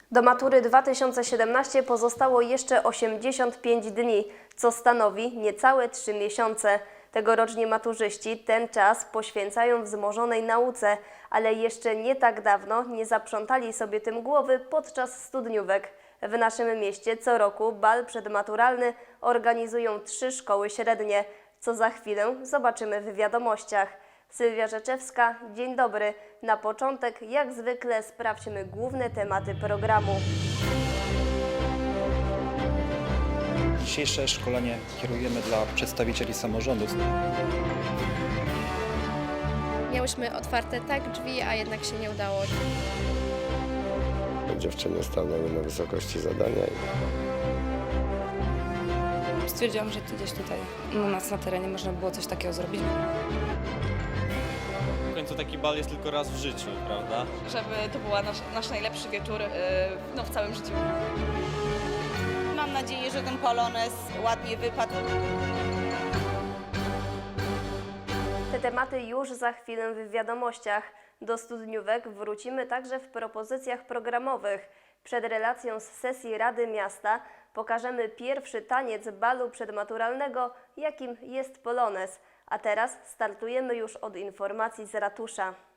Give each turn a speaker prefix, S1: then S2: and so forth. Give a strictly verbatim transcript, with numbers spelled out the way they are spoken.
S1: Do matury dwa tysiące siedemnastego pozostało jeszcze osiemdziesiąt pięć dni, co stanowi niecałe trzy miesiące. Tegoroczni maturzyści ten czas poświęcają wzmożonej nauce, ale jeszcze nie tak dawno nie zaprzątali sobie tym głowy podczas studniówek. W naszym mieście co roku bal przedmaturalny organizują trzy szkoły średnie, co za chwilę zobaczymy w wiadomościach. Sylwia Rzeczewska, dzień dobry. Na początek, jak zwykle, sprawdźmy główne tematy programu.
S2: Dzisiejsze szkolenie kierujemy dla przedstawicieli samorządów.
S3: Miałyśmy otwarte tak drzwi, a jednak się nie udało.
S4: Dziewczyny stanęły na wysokości zadania.
S5: Stwierdziłam, że gdzieś tutaj u nas na terenie można było coś takiego zrobić.
S6: W końcu taki bal jest tylko raz w życiu, prawda?
S7: Żeby to był nasz, nasz najlepszy wieczór yy, no, w całym życiu.
S8: Mam nadzieję, że ten polonez ładnie wypadł.
S1: Te tematy już za chwilę w wiadomościach. Do studniówek wrócimy także w propozycjach programowych. Przed relacją z sesji Rady Miasta pokażemy pierwszy taniec balu przedmaturalnego, jakim jest polonez. A teraz startujemy już od informacji z ratusza.